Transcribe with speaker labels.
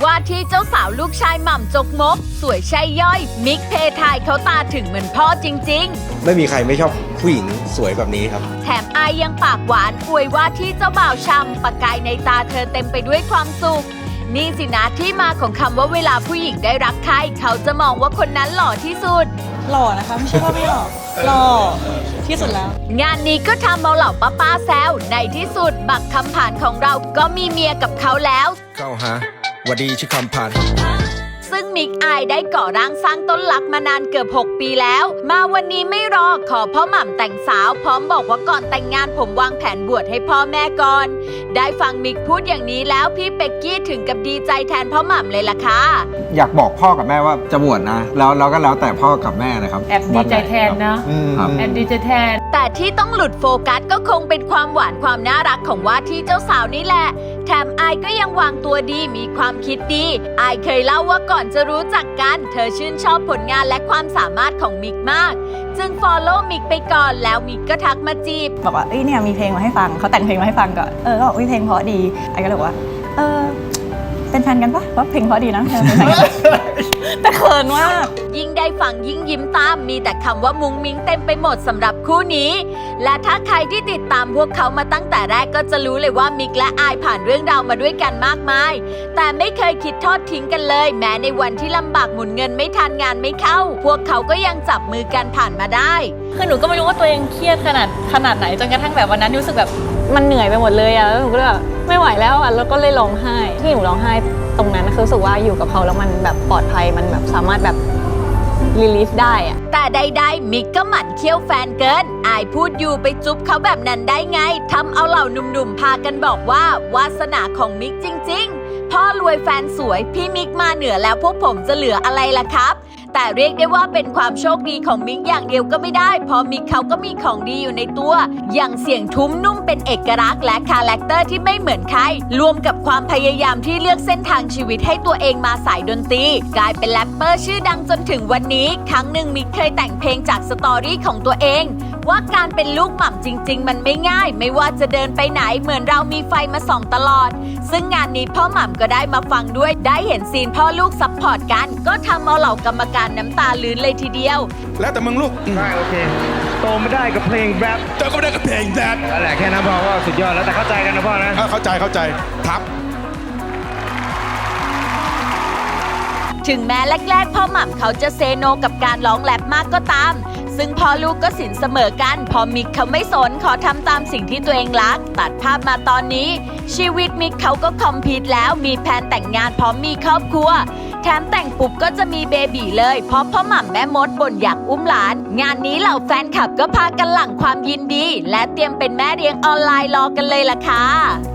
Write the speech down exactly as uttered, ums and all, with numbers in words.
Speaker 1: ว่าที่เจ้าสาวลูกชายหม่ำจกมกสวยใช่ย่อยมิกเพทายเขาตาถึงเหมือนพ่อจริงๆ
Speaker 2: ไม่มีใครไม่ชอบผู้หญิงสวยแบบนี้ครับ
Speaker 1: แถมอายยังปากหวานอวยว่าที่เจ้าบ่าวช่ำประกายในตาเธอเต็มไปด้วยความสุขนี่สินะที่มาของคำว่าเวลาผู้หญิงได้รักใครเขาจะมองว่าคนนั้นหล่อที่สุด
Speaker 3: หล่อนะคะไม่ใช่ว่าไม่หล่อหล่อที่สุดแล้ว
Speaker 1: งานนี้ก็ทำเอาเหล่าป้าป้าแซวในที่สุดบักคำผ่านของเราก็มีเมียกับเขาแล้ว
Speaker 2: เข้าหาวัสดีชื่อคำผ่าน
Speaker 1: ซึ่งมิกอายได้ก่อร่างสร้างต้นรักมานานเกือบหกปีแล้วมาวันนี้ไม่รอขอพ่อหม่ำแต่งสาวพร้อมบอกว่าก่อนแต่งงานผมวางแผนบวชให้พ่อแม่ก่อนได้ฟังมิกพูดอย่างนี้แล้วพี่เป็กกี้ถึงกับดีใจแทนพ่อหม่ำเลยล่ะค่ะ
Speaker 4: อยากบอกพ่อกับแม่ว่าจะบวชนะแล้วเราก็แล้วแต่พ่อกับแม่นะครับ
Speaker 5: แอบดีใจแทนนะแอบดีใจแทน
Speaker 1: แต่ที่ต้องหลุดโฟกัสก็คงเป็นความหวานความน่ารักของว่าที่เจ้าสาวนี่แหละแถมอายก็ยังวางตัวดีมีความคิดดีอายเคยเล่าว่าก่อนจะรู้จักกันเธอชื่นชอบผลงานและความสามารถของมิกมากจึง follow มิกไปก่อนแล้วมิกก็ทักมาจีบ
Speaker 3: บอกว่าเอ้ยเนี่ยมีเพลงมาให้ฟังเขาแต่งเพลงมาให้ฟังก่อนเออก็บอกเพลงเพราะดีอายก็เลยบอกว่าเออเป็นแฟนกันปะว่าเพลงเพราะดีนะแต่เขินมาก
Speaker 1: ยิ่งได้ฟังยิ่งยิ้มตามมีแต่คำว่ามุ้งมิ้งเต็มไปหมดสำหรับคู่นี้และถ้าใครที่ติดตามพวกเขามาตั้งแต่แรกก็จะรู้เลยว่ามิกและอายผ่านเรื่องราวมาด้วยกันมากมายแต่ไม่เคยคิดทอดทิ้งกันเลยแม้ในวันที่ลำบากหมุนเงินไม่ทันงานไม่เข้าพวกเขาก็ยังจับมือกันผ่านมาได้
Speaker 3: คือหนูก็ไม่รู้ว่าตัวเองเครียดขนาดขนาดไหนจนกระทั่งแบบวันนั้นรู้สึกแบบมันเหนื่อยไปหมดเลยอะแล้วหนูก็เลยแบบไม่ไหวแล้วอะแล้วก็เลยร้องไห้ที่หนูร้องไห้ตรงนั้นคือรู้สึกว่าอยู่กับเขาแล้วมันแบบปลอดภัยมันแบบสามารถแบบรีลีฟได้อะ
Speaker 1: แต่ใดๆมิกก็หมั่นเคี้ยวแฟนเกินอายพูดอยู่ไปจุ๊บเขาแบบนั้นได้ไงทำเอาเหล่าหนุ่มๆพากันบอกว่าวาสนาของมิกจริงๆพ่อรวยแฟนสวยพี่มิกมาเหนือแล้วพวกผมจะเหลืออะไรล่ะครับแต่เรียกได้ว่าเป็นความโชคดีของมิกอย่างเดียวก็ไม่ได้เพราะมิกเขาก็มีของดีอยู่ในตัวอย่างเสียงทุ้มนุ่มเป็นเอกลักษณ์และคาแรคเตอร์ที่ไม่เหมือนใครรวมกับความพยายามที่เลือกเส้นทางชีวิตให้ตัวเองมาสายดนตรีกลายเป็นแรปเปอร์ชื่อดังจนถึงวันนี้ครั้งหนึ่งมิกเคยแต่งเพลงจากสตอรี่ของตัวเองว่าการเป็นลูกหม่ำจริงๆมันไม่ง่ายไม่ว่าจะเดินไปไหนเหมือนเรามีไฟมาส่องตลอดซึ่งงานนี้พ่อหม่ำก็ได้มาฟังด้วยได้เห็นซีนพ่อลูกซัพพอร์ตกันก็ทำเอาเหล่ากรรมการน้ำตาลื้นเลยทีเดียว
Speaker 2: แล้วแต่มึงลูก
Speaker 6: ได้โอเคโตไม่ได้กับเพลงแรป
Speaker 2: โตก็ไม่ได้กับเพลงแรป
Speaker 6: นั่นแหละแค่นั้นพอว่าสุดยอดแล้วแต่เข้าใจกันนะพ่อนะ
Speaker 2: เข้าใจเข้าใจทับ
Speaker 1: ถึงแม้แรกๆพ่อหม่ำเขาจะเซโนกับการร้องแรปมากก็ตามซึ่งพ่อลูกก็สินเสมอกันพอมิกเขาไม่สนขอทำตามสิ่งที่ตัวเองรักตัดภาพมาตอนนี้ชีวิตมิกเขาก็คอมพลีทแล้วมีแผนแต่งงานพร้อมมีครอบครัวแถมแต่งปุ๊บก็จะมีเบบีเลยเพราะพ่อหม่ำแม่มดบ่นอยากอุ้มหลานงานนี้เหล่าแฟนคลับก็พากันหลั่งความยินดีและเตรียมเป็นแม่เลี้ยงออนไลน์รอกันเลยล่ะค่ะ